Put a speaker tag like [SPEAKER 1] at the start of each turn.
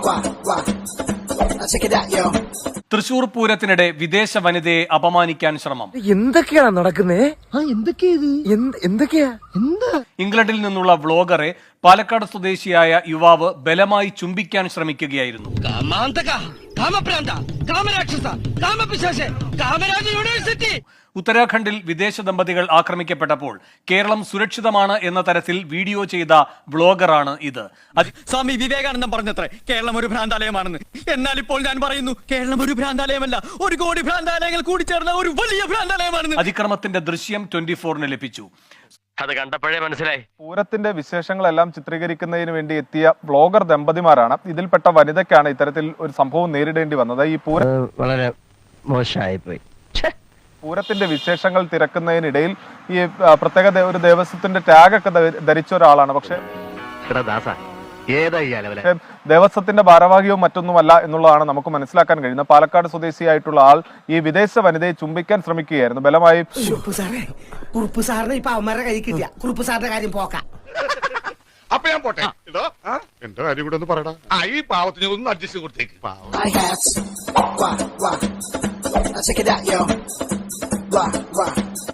[SPEAKER 1] തൃശൂർ പൂരത്തിനിടെ വിദേശ വനിതയെ അപമാനിക്കാൻ ശ്രമം.
[SPEAKER 2] എന്തൊക്കെയാണ് നടക്കുന്നേ? എന്തൊക്കെയാ?
[SPEAKER 1] ഇംഗ്ലണ്ടിൽ നിന്നുള്ള വ്ളോഗറെ പാലക്കാട് സ്വദേശിയായ യുവാവ് ബലമായി ചുംബിക്കാൻ ശ്രമിക്കുകയായിരുന്നു. ഉത്തരാഖണ്ഡിൽ വിദേശ ദമ്പതികൾ ആക്രമിക്കപ്പെട്ടപ്പോൾ കേരളം സുരക്ഷിതമാണ് എന്ന തരത്തിൽ വീഡിയോ ചെയ്ത വ്ളോഗറാണ് ഇത്.
[SPEAKER 3] സ്വാമി വിവേകാനന്ദൻ പറഞ്ഞത്രേ കേരളം ഒരു ഭ്രാന്താലയമാണെന്ന്. എന്നാൽ ഇപ്പോൾ ഞാൻ പറയുന്നു, കേരളം ഒരു ഭ്രാന്താലയമല്ല, 1 കോടി ഭ്രാന്താലയങ്ങൾ കൂടിച്ചേർന്ന ഒരു വലിയ ഭ്രാന്താലയമാണെന്ന്.
[SPEAKER 1] അതിക്രമത്തിന്റെ ദൃശ്യം 24-ന് ലഭിച്ചു.
[SPEAKER 4] അത് കണ്ടപ്പോഴേ മനസ്സിലായി.
[SPEAKER 5] പൂരത്തിന്റെ വിശേഷങ്ങളെല്ലാം ചിത്രീകരിക്കുന്നതിന് വേണ്ടി എത്തിയ വ്ളോഗർ ദമ്പതിമാരാണ്. ഇതിൽപ്പെട്ട വനിതയ്ക്കാണ് ഇത്തരത്തിൽ ഒരു സംഭവം നേരിടേണ്ടി വന്നത്. ഈ
[SPEAKER 4] വളരെ മോശമായി പോയി.
[SPEAKER 5] പൂരത്തിന്റെ വിശേഷങ്ങൾ തിരക്കുന്നതിനിടയിൽ ഈ പ്രത്യേക ഒരു ദേവസ്വത്തിന്റെ ടാഗൊക്കെ ധരിച്ച ഒരാളാണ്. പക്ഷെ ദേവസ്വത്തിന്റെ ഭാരവാഹിയോ മറ്റൊന്നുമല്ല എന്നുള്ളതാണ് നമുക്ക് മനസ്സിലാക്കാൻ കഴിയുന്നത്. പാലക്കാട് സ്വദേശിയായിട്ടുള്ള ആൾ ഈ വിദേശ വനിതയെ ചുംബിക്കാൻ ശ്രമിക്കുകയായിരുന്നു. ബലമായി
[SPEAKER 6] അപ്പൊ ഞാൻ പോട്ടെ. എന്റെ കാര്യം കൂടെ ഒന്ന് പറയടാ. ഈ പാവത്തിന് ഒന്ന് അഡ്ജസ്റ്റ് കൊടുത്തേക്ക്.